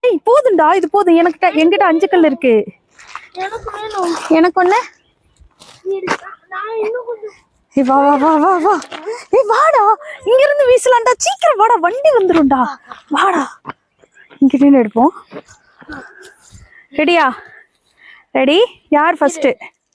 ஏய் போதும்டா, இது போதும். என்கிட்ட 5 கல் இருக்கு. எனக்கு ஒண்ணு. ஏய் வா வா வா வா வா. ஏய் வாடா, இங்க இருந்து வீசலாம்டா. சீக்கிரம் வாடா, வண்டி வந்துரும்டா. வாடா, இங்க நின்னு எடுப்போம். ரெடியா? ரெடி? யார் ஃபர்ஸ்ட்?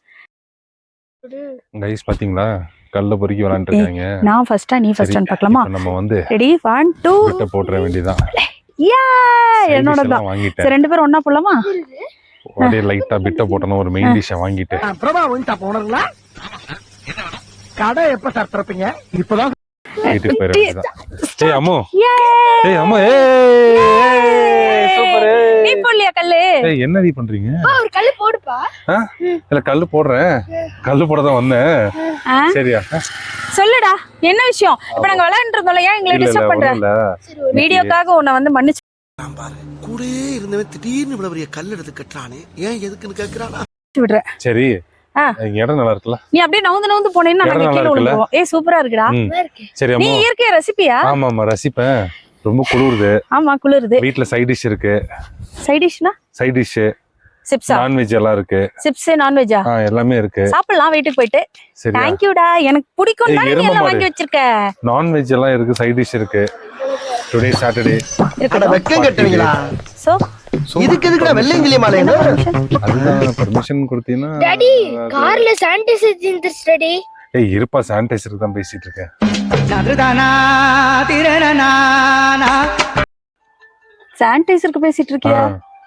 கைஸ் பாத்தீங்களா, கல்ல பொறுக்கி விளையாண்டு இருக்காங்க. நான் ஃபர்ஸ்டா நீ ஃபர்ஸ்டான்னு பார்க்கலாமா? நம்ம வந்து ரெடி 1 2 விட்ட போட்ற வேண்டியதான். யா என்னோட தான். சரி ரெண்டு பேரும் ஒண்ணா போலாமா? ஒரே லைட்டா பிட்ட போட்டணும். ஒரு மெயின் டிஷ் வாங்கிட்டு பிரபா வந்துட்டா போனங்களா? கடை எப்ப சார் திறப்பீங்க? இப்பதான் வீட்டுக்கு போயிட வேண்டியதான். ஏய் அம்மு, ஏய் ஏய் அம்மு, ஏய் சூப்பர். நீ போடலையா கல்லு? ஏய் என்னடி பண்றீங்க? ஒரு கல்லு போடுப்பா. இல்ல கல்லு போடுறேன், கல்லு போட தான் வந்தேன். சரியா? சொல்லுடா, என்ன விஷயம்? இப்ப நாங்க விளையாண்டுட்டு இருந்தோம்ல, ஏன் எங்களை டிஸ்டர்ப் பண்ற? வீடியோக்காக உன்னை வந்து மன்னிச்சு கூடயே இருந்தவன் திடீர்னு இவ்வளவு பெரிய கல் எடுத்து கட்டுறானே, ஏன் எதுக்குன்னு கேக்குறானா? விடுறேன். சரி, இடம் நல்லா இருக்குல்ல? நீ அப்படியே நவுந்து போனேன்னா நாங்க கீழ விழுவோம். ஏய் சூப்பரா இருக்குடா. சரி நீ அம்மா, இயற்கை ரசிப்பியா? ஆமா ஆமா ரசிப்பேன். ரொம்ப குளிருது. ஆமா குளிருது. வீட்ல சைடு டிஷ் இருக்கு. சைடு டிஷ்னா? சைடு டிஷ் சிப்ஸா? நான்வெஜ் எல்லாம் இருக்கு. சிப்ஸ் நான்வெஜ்ஜா? எல்லாமே இருக்கு. சாப்பிடலாம் வீட்டுக்கு போயிட்டு. சரி थैंक யூ டா, எனக்கு பிடிக்கும் தான் நீ எல்லாம் வாங்கி வச்சிருக்க. நான்வெஜ் எல்லாம் இருக்கு, சைடு டிஷ் இருக்கு. Today Saturday. அட வெக்கம் கட்டுவீங்களா? சோ இதுக்கு எதுக்குடா வெள்ளைங்கிலி மாலைங்க? அதுதான் பெர்மிஷன் கொடுத்தீனா? டாடி கார்ல சானிடைசர் இருந்துச்சு டாடி. ஏய் இருப்பா, சானிடைசருக்கு தான் பேசிட்டு இருக்கேன். சானிடைசருக்கு பேசிட்டு இருக்கியா?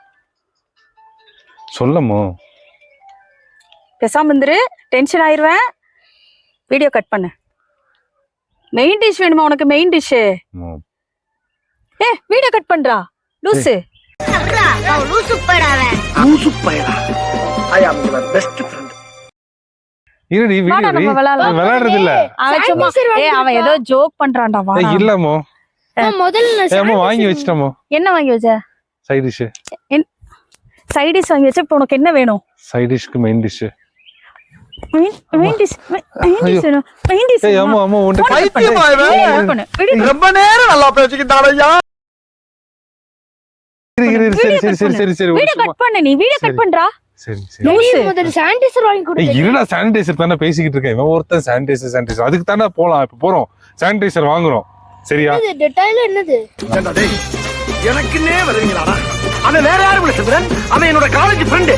சொல்லமோ பேசாம இருந்துரு, டென்ஷன் ஆயிருவேன். வீடியோ கட் பண்ணு. மெயின் டிஷ் வேணுமா உனக்கு? Main dish. வீடியோ கட் பண்றா லூசு. லூசு படாவே. லூசு பையனா? I am your best friend. இருடி வீடியோ விளையாடுறது இல்ல. அவன் சும்மா அவன் ஏதோ ஜோக் பண்றான்டா. வா இல்லமோ, முதல்ல ஏமா வாங்கி வச்சிட்டமோ. என்ன வாங்கி வச்ச? Side dish. சைடு டிஷ் வாங்கி வச்ச. இப்போ உனக்கு என்ன வேணும்? சைடு டிஷ்க்கு main dish. Main dish main dish. ஏய் அம்மா அம்மா உன்ட பைத்தியமா இவன்? ரொம்ப நேரம் நல்லா பேசிக்கிட்டானயா. சரி வீடியோ கட் பண்ணு. நீ வீடியோ கட் பண்றா. சரி முதல்ல சானிடைசர் வாங்கி கொடு. ஏய் இருடா, சானிடைசர் தான பேசிக்கிட்டு இருக்கேன். இவன் ஒருத்தன் சானிடைசர் அதுக்கு தான போலாம். இப்ப போறோம், சானிடைசர் வாங்குறோம். சரியா? இது டெட்டாயில் என்னது? ஏண்டா டேய், எனக்குன்னே வருவீங்களாடா? அவன் வேற யாரும் இல்ல சந்திரன், அவன் என்னோட காலேஜ் ஃப்ரெண்ட்.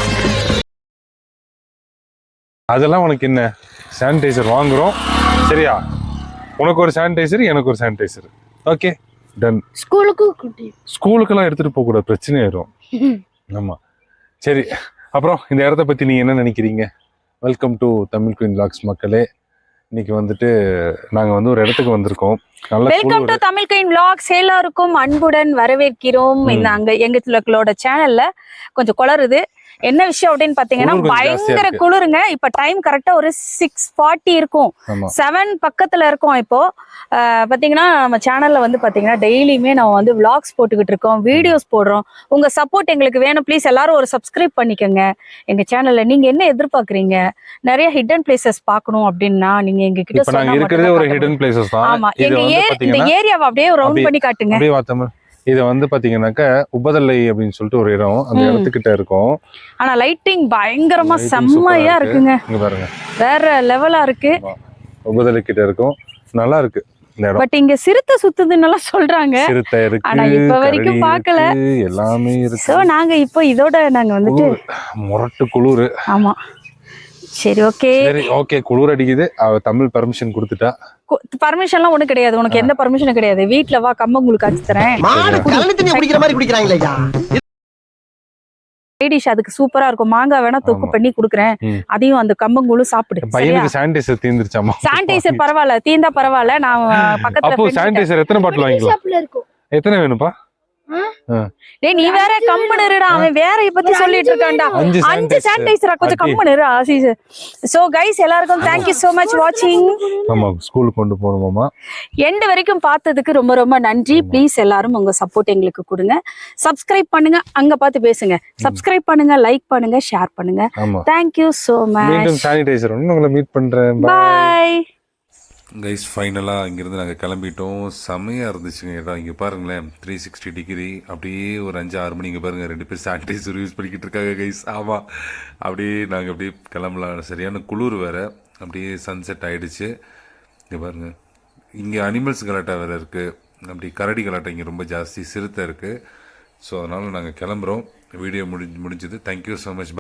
அதெல்லாம் உனக்கு என்ன? சானிடைசர் வாங்குறோம். சரியா? உனக்கு ஒரு சானிடைசர், எனக்கு ஒரு சானிடைசர். Okay done. ஸ்கூலுக்கெல்லாம் எடுத்துட்டு போக கூடாது, பிரச்சனை ஆயிரும். ஆமா சரி. அப்புறம் இந்த இடத்த பத்தி நீங்க என்ன நினைக்கிறீங்க? Welcome to Tamil queen vlogs மக்களே. இன்னைக்கு வந்துட்டு நாங்க வந்து ஒரு இடத்துக்கு வந்திருக்கோம். Welcome to Tamil queen vlogs. எல்லாருக்கும் அன்புடன் வரவேற்கிறோம். இந்த அங்க எங்களோட சேனல்ல கொஞ்சம் குளறுது. என்ன விஷயம் அப்படின்னு பாத்தீங்கன்னா, பயங்கர குளிருங்க. இப்ப டைம் கரெக்டா ஒரு 6:40 இருக்கும். 7 பக்கத்துல இருக்கும். இப்போ பாத்தீங்கன்னா நம்ம சேனல்ல வந்து பாத்தீங்கன்னா டெய்லியுமே நம்ம வந்து விளாக்ஸ் போட்டுக்கிட்டு இருக்கோம், வீடியோஸ் போடுறோம். உங்க சப்போர்ட் எங்களுக்கு வேணும். ப்ளீஸ் எல்லாரும் ஒரு சப்ஸ்கிரைப் பண்ணிக்கோங்க எங்க சேனல்ல. நீங்க என்ன எதிர்பார்க்கறீங்க? நிறைய ஹிடன் பிளேசஸ் பாக்கணும் அப்படின்னா நீங்க எங்க கிட்ட சொன்னா. ஆமா, இந்த ஏரியாவை அப்படியே ரவுண்ட் பண்ணி காட்டுங்க. இத வந்து பாத்தீங்கன்னாக்க உபதலை அப்படின்னு சொல்லிட்டு ஒரு இடம், அந்த இடத்துக்கிட்ட இருக்கும். ஆனா லைட்டிங் பயங்கரமா செம்மையா இருக்குங்க. இங்க பாருங்க, வேற லெவலா இருக்கு. உபதலை கிட்ட இருக்கும், நல்லா இருக்கு இந்த இடம். பட் இங்க சிறுத்தை சுத்துதுன்னு சொல்றாங்க. சிறுத்தை இருக்கு, ஆனா இப்ப வரைக்கும் பார்க்கல. எல்லாமே இருக்கு. சோ நாங்க இப்போ இதோட நாங்க வந்துட்டு முரட்டு குளிர். ஆமா சரி ஓகே. சரி ஓகே, குளிர் அடிக்குது. அவ தமிழ் பர்மிஷன் கொடுத்துட்டா. பர்மிஷன்லாம் ஒண்ணு கிடையாது. உனக்கு எந்த பர்மிஷனும் கிடையாது. வீட்ல வா, கம்பங்கூழ் காய்ச்சி தரேன். மாடு கலனி தண்ணி குடிக்கிற மாதிரி குடிக்கறாங்களேயா? டிஷ் அதுக்கு சூப்பரா இருக்கும். மாங்காய் வேணா தொக்கு பண்ணி குடுக்குறேன். அதையும் அந்த கம்பங்கூழும் சாப்பிடு. பையனுக்கு சானிடைசர் தீந்துருச்சாமா? சானிடைசர் பரவாயில்ல, தீந்தா பரவாயில்ல. நான் பக்கத்துல அப்போ சானிடைசர் எத்தனை பாட்டில் வாங்கிக்கலாம்? எத்தனை வேணும்பா? டேய் நீ வேற கம்முனு இருடா. அவன் வேற பத்தி சொல்லிட்டு இருக்கான்டா. 5 சானிடைசரா, கொஞ்சம் கம்முனு இரு ஆசிஸ். சோ गाइस எல்லாருக்கும் thank you so much watching. ஆமா, ஸ்கூலுக்கு கொண்டு போணுமாமா. எண்ட் வரைக்கும் பார்த்ததுக்கு ரொம்ப ரொம்ப நன்றி. ப்ளீஸ் எல்லாரும் உங்க சப்போர்ட் எங்களுக்கு கொடுங்க. சப்ஸ்கிரைப் பண்ணுங்க, அங்க பார்த்து பேசுங்க. சப்ஸ்கிரைப் பண்ணுங்க, லைக் பண்ணுங்க, ஷேர் பண்ணுங்க. thank you so much. மீண்டும் சானிடைசர் உங்களை மீட் பண்றேன். பை. கைஸ் ஃபைனலாக இங்கேருந்து நாங்கள் கிளம்பிட்டோம். செமையாக இருந்துச்சுங்க இடம். இங்கே பாருங்களேன் 360 டிகிரி. அப்படியே ஒரு 5-6 மணி இங்கே பாருங்கள் 2 பேர் சானிடைசர் யூஸ் பண்ணிக்கிட்டு இருக்காங்க கைஸ். ஆமாம், அப்படியே நாங்கள் அப்படியே கிளம்பலாம். சரியான குளிர் வேறு. அப்படியே சன்செட் ஆகிடுச்சு. இங்கே பாருங்கள், இங்கே அனிமல்ஸ் கலாட்டா வேறு இருக்குது. அப்படி கரடி கலாட்டா இங்கே ரொம்ப ஜாஸ்தி, சிறுத்தை இருக்குது. ஸோ அதனால் நாங்கள் கிளம்புறோம். வீடியோ முடிஞ்சது. Thank you so much.